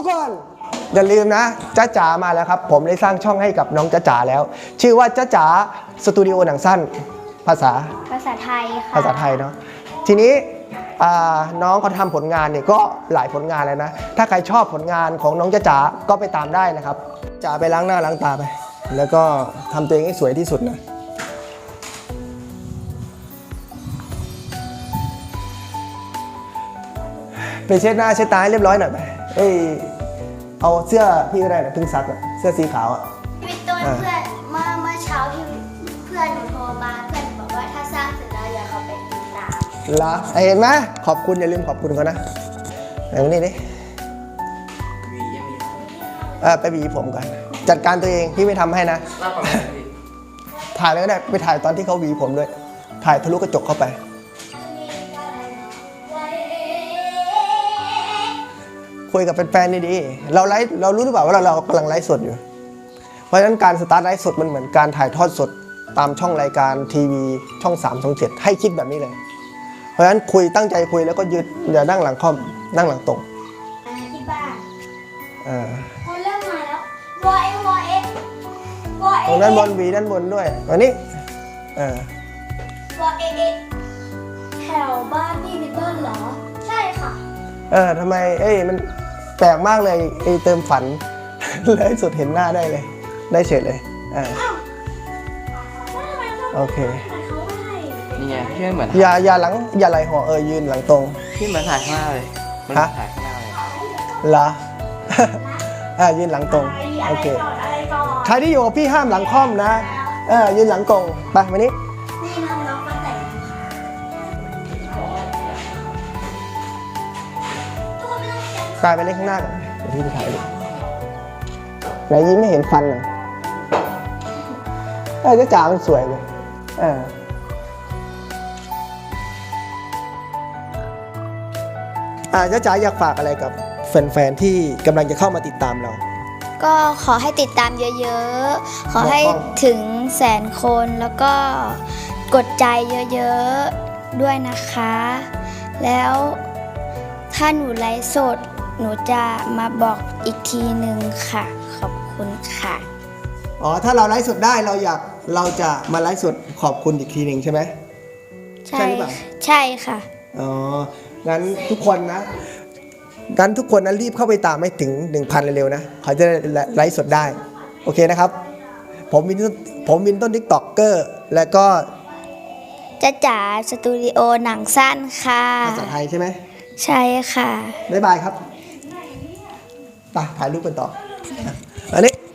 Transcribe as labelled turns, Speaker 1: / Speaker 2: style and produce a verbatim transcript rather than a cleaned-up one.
Speaker 1: คนอย่าลืมนะจ๊ะจ๋ามาแล้วครับผมได้สร้างช่องให้กับน้องจ๊ะจ๋าแล้วชื่อว่าจ๊ะจ๋าสตูดิโอหนังสั้นภาษา
Speaker 2: ภาษาไทยค่ะ
Speaker 1: ภาษาไทยเนาะทีนี้น้องเขาทำผลงานเนี่ยก็หลายผลงานเลยนะถ้าใครชอบผลงานของน้องจ๊ะจ๋าก็ไปตามได้นะครับจ๋าไปล้างหน้าล้างตาไปแล้วก็ทำตัวเองให้สวยที่สุดนะไปเช็ดหน้าเช็ดตาให้เรียบร้อยหน่อยไปเอ้ยเอาเสื้อพี่ก็ได้นะเพิ่งซักอะเสื้อสีขาวอะ
Speaker 2: พี่ต้นเพื่อนเมื่อเมื่อเช้าพี่เพื่อนหนูโทรมาเพื่อนบอกว่าถ้าสร้างเสร็จแล้วอย่าเขาไปติดตาม
Speaker 1: ละเห็นไหมขอบคุณอย่าลืมขอบคุณเขานะไหนวันนี้ดิเออไปหวีผมกันจัดการตัวเองพี่ไม่ทำให้นะถ่ายเลยก็ได้ไปถ่ายตอนที่เขาหวีผมด้วยถ่ายทะลุกระจกเข้าไปคุยกับแฟนๆดีๆเราไลฟ์เรารู้หรือเปล่าว่าเราเรากำลังไลฟ์สดอยู่เพราะฉะนั้นการสตาร์ทไลฟ์สดมันเหมือนการถ่ายทอดสดตามช่องรายการทีวีช่องสามช่องเจ็ดให้คิดแบบนี้เลยเพราะฉะนั้นคุยตั้งใจคุยแล้วก็ยืดอย่านั่งหลังค่อมนั่งหลังตรง
Speaker 2: ที่บ้าน
Speaker 1: อ่า
Speaker 2: พอเริ่มมาแล้ววอเอวอเอวอเอ
Speaker 1: ตรงด้านบนวีด้านบนด้วยวันนี้เออ
Speaker 2: วอเอเอแถวบ้านพี่พี่ต้นเหรอใช่ค่ะ
Speaker 1: เออทำไมเอ้ยมันแปลกมากเลยไอ้เติมฝันเลยสุดเห็นหน้าได้เลยได้เฉยเลยอ่าโอเค
Speaker 3: นี่ไงพี่เหมือน
Speaker 1: อย่าอย่าหลังอย่าไหลห่อเออยืนหลังตรง
Speaker 3: พี่เหมือนถ่ายข้างหน้าเลย
Speaker 1: ฮะ
Speaker 3: ถ่ายข้างหน้าเลย
Speaker 1: เหรออ่ายืนหลังตรงโอเคใครที่อยู่กับพี่ห้ามหลังค่อมนะเออยืนหลังตรงไปมานี้
Speaker 2: นี่น้องน้องก็แต่ง
Speaker 1: กลายไปเล่นข้างหน้าก่อนเดี๋ยวพี่ไปถ่ายดูไหนยิ้มไม่เห็นฟันเลยเออจ๊ะจ๋ามันสวยเลยเอออ่าจ๊ะจ๋าอยากฝากอะไรกับแฟนๆที่กำลังจะเข้ามาติดตามเรา
Speaker 2: ก็ขอให้ติดตามเยอะๆขอให้ถึงแสนคนแล้วก็กดใจเยอะๆด้วยนะคะแล้วถ้าหนูไลฟ์สดหนูจะมาบอกอีกทีหนึ่งค่ะขอบคุณค่ะ
Speaker 1: อ๋อถ้าเราไลฟ์สดได้เราอยากเราจะมาไลฟ์สดขอบคุณอีกทีหนึ่งใช่ไหม
Speaker 2: ใช่ใช่ค่ะ
Speaker 1: อ๋องั้นทุกคนนะงั้นทุกคนนะรีบเข้าไปตามให้ถึง หนึ่งพัน เร็วๆนะเขาจะไลฟ์สดได้โอเคนะครับผมวินผมวินต้นทิกตอกเกอร์และก็
Speaker 2: จ๊ะจ๋าสตูดิโอหนังสั้นค่ะ
Speaker 1: ภาษาไทยใช่ไหม
Speaker 2: ใช่ค่ะ
Speaker 1: บ๊ายบายครับไปถ่ายรูปกันต่ออันนี้